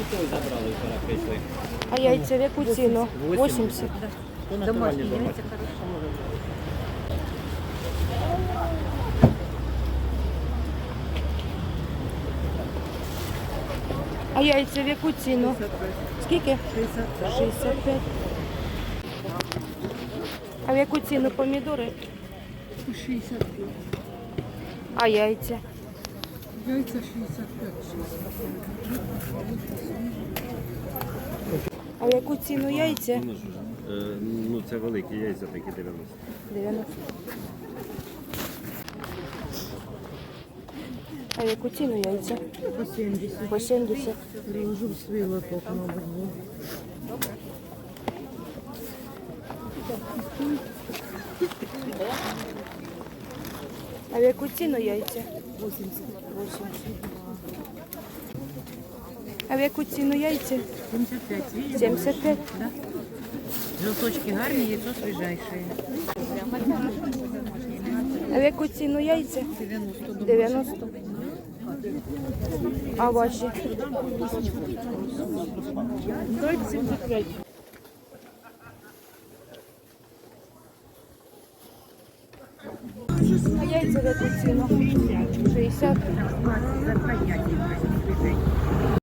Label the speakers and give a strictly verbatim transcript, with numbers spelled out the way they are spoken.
Speaker 1: А яйця в яку ціну? вісімдесят.
Speaker 2: Домашні яйця хороші.
Speaker 1: А яйця в яку ціну? Скільки? шістдесят п'ять. А в яку ціну помідори?
Speaker 2: шістдесят п'ять.
Speaker 1: А яйця?
Speaker 2: Яйця шістдесят п'ять.
Speaker 1: А в яку ціну яйця?
Speaker 3: Е, Ну, це великі яйця, такі дев'яносто.
Speaker 1: дев'яносто. А в яку ціну яйця?
Speaker 2: По сімдесят.
Speaker 1: По сімдесят.
Speaker 2: Приложу в свій лоток, мабуть.
Speaker 1: А в яку ціну яйця?
Speaker 2: вісімдесят.
Speaker 1: вісімдесят. А в яку ціну яйця?
Speaker 2: сімдесят п'ять.
Speaker 1: сімдесят п'ять.
Speaker 2: Да. Желточки гарні, яйцо свіжайше.
Speaker 1: А в яку ціну яйця?
Speaker 2: дев'яносто.
Speaker 1: дев'яносто. А ваші?
Speaker 2: сімдесят п'ять.
Speaker 1: А яйця в яку ціну? шістдесят.